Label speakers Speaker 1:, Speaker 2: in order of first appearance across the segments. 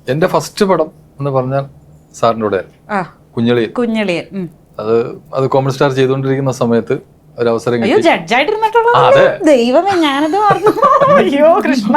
Speaker 1: എന്റെ ഫസ്റ്റ് പടം എന്ന് പറഞ്ഞാൽ സാറിൻ്റെ കൂടെ കുഞ്ഞളിയൻ. അത് കോമൺ സ്റ്റാർ ചെയ്തുകൊണ്ടിരിക്കുന്ന സമയത്ത് ഒരു അവസരം
Speaker 2: അയ്യോ ജഡ്ജായിട്ടിരുന്നിട്ടുള്ളത് ദൈവമേ, ഞാനത് മറന്നു. അയ്യോ കൃഷ്ണ,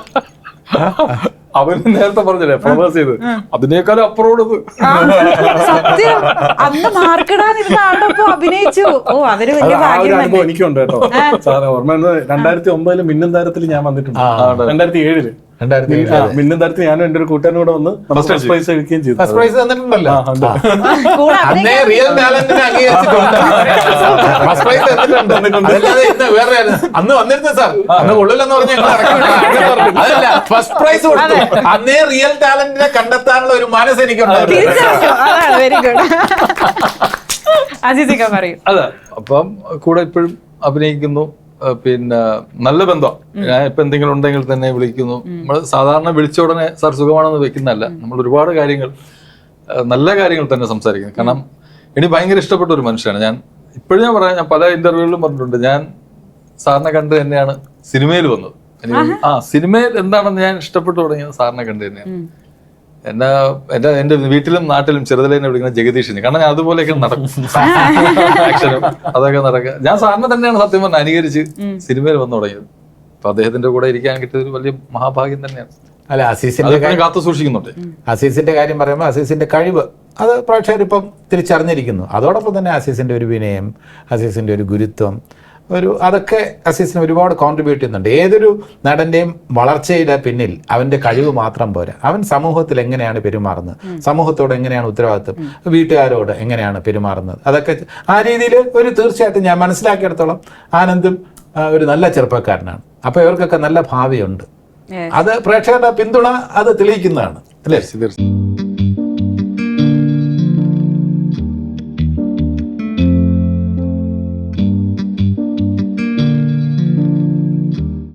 Speaker 1: അവന് നേരത്തെ പറഞ്ഞില്ലേ പ്രൊമോസ് ചെയ്ത് അതിനേക്കാളും അപ്പുറം
Speaker 2: സത്യം. അന്ന് മാർക്കിടാനിരുന്ന ആളോടൊപ്പം അഭിനയിച്ചു. ഓ, അതൊരു വലിയ ഭാഗ്യം തന്നെ.
Speaker 3: എനിക്കുണ്ട് കേട്ടോ സാറേ. ഓർമ്മ 2009 മിന്നും താരത്തിൽ ഞാൻ വന്നിട്ടുണ്ട്. 2007 മിന്നും താരത്തിൽ ഞാനും എന്റെ ഒരു കൂട്ടുകാരനും കൂടെ വന്ന് ഫസ്റ്റ് പ്രൈസ് കഴിക്കുകയും ചെയ്തു.
Speaker 4: ഫസ്റ്റ് പ്രൈസ് തന്നിട്ടുണ്ടല്ലോ.
Speaker 2: കൂടെ
Speaker 4: റിയൽ ടാലന്റിനെ അംഗീകരിച്ചിട്ടുണ്ട്. ഫസ്റ്റ് പ്രൈസ് തന്നിട്ടുണ്ട്. വേറെ അന്ന് വന്നിരുന്നു സാർ, അന്ന് കൊള്ളില്ലെന്ന് പറഞ്ഞ അതല്ല, ഫസ്റ്റ് പ്രൈസ് കൊടുത്തു. അന്നേ റിയൽ ടാലന്റിനെ കണ്ടെത്താനുള്ള ഒരു മനസ്സ് എനിക്കുണ്ടായിരുന്നു.
Speaker 2: Very good. അസീസിക്ക പറയും.
Speaker 1: അതെ, അപ്പം കൂടെ ഇപ്പോഴും അഭിനയിക്കുന്നു. പിന്നെ നല്ല ബന്ധം. ഞാൻ ഇപ്പൊ എന്തെങ്കിലും ഉണ്ടെങ്കിൽ തന്നെ വിളിക്കുന്നു. നമ്മൾ സാധാരണ വിളിച്ച ഉടനെ സാർ സുഖമാണെന്ന് വെക്കുന്നതല്ല, നമ്മൾ ഒരുപാട് കാര്യങ്ങൾ നല്ല കാര്യങ്ങൾ തന്നെ സംസാരിക്കുന്നു. കാരണം എനിക്ക് ഭയങ്കര ഇഷ്ടപ്പെട്ട ഒരു മനുഷ്യനാണ്. ഞാൻ ഇപ്പോഴും ഞാൻ പറയാം, ഞാൻ പല ഇന്റർവ്യൂകളിലും പറഞ്ഞിട്ടുണ്ട്, ഞാൻ സാറിനെ കണ്ട് തന്നെയാണ് സിനിമയിൽ വന്നത്. സിനിമയിൽ എന്താണെന്ന് ഞാൻ ഇഷ്ടപ്പെട്ടു തുടങ്ങിയത് സാറിനെ കണ്ട് തന്നെയാണ്. എന്റെ വീട്ടിലും നാട്ടിലും ചെറുതിലെ വിളിക്കുന്ന ജഗദീഷിന്. കാരണം ഞാൻ അതുപോലെയൊക്കെ നടക്കും, ആക്ഷനും അതൊക്കെ നടക്കുക. ഞാൻ സാറിനെ തന്നെയാണ് സത്യം പറഞ്ഞ അനുകരിച്ച് സിനിമയിൽ വന്നു തുടങ്ങിയത്. അപ്പൊ അദ്ദേഹത്തിന്റെ കൂടെ ഇരിക്കാൻ കിട്ടിയത് ഒരു വലിയ മഹാഭാഗ്യം തന്നെയാണ്.
Speaker 4: അല്ല, അസീസിന്റെ
Speaker 1: കാത്തു സൂക്ഷിക്കുന്നുണ്ട്.
Speaker 4: അസീസിന്റെ കാര്യം പറയുമ്പോൾ അസീസിന്റെ കഴിവ് അത് പ്രേക്ഷകരിപ്പം തിരിച്ചറിഞ്ഞിരിക്കുന്നു. അതോടൊപ്പം തന്നെ അസീസിന്റെ ഒരു വിനയം, അസീസിന്റെ ഒരു ഗുരുത്വം, അതൊക്കെ അസീസിന് ഒരുപാട് കോൺട്രിബ്യൂട്ട് ചെയ്യുന്നുണ്ട്. ഏതൊരു നടന്റെയും വളർച്ചയുടെ പിന്നിൽ അവന്റെ കഴിവ് മാത്രം പോരാ, അവൻ സമൂഹത്തിൽ എങ്ങനെയാണ് പെരുമാറുന്നത്, സമൂഹത്തോട് എങ്ങനെയാണ് ഉത്തരവാദിത്വം, വീട്ടുകാരോട് എങ്ങനെയാണ് പെരുമാറുന്നത്, അതൊക്കെ ആ രീതിയിൽ തീർച്ചയായിട്ടും ഞാൻ മനസ്സിലാക്കിയിടത്തോളം ആനന്ദും ഒരു നല്ല ചെറുപ്പക്കാരനാണ്. അപ്പൊ ഇവർക്കൊക്കെ നല്ല ഭാവിയുണ്ട്. അത് പ്രേക്ഷകരുടെ പിന്തുണ അത് തെളിയിക്കുന്നതാണ് അല്ലേ?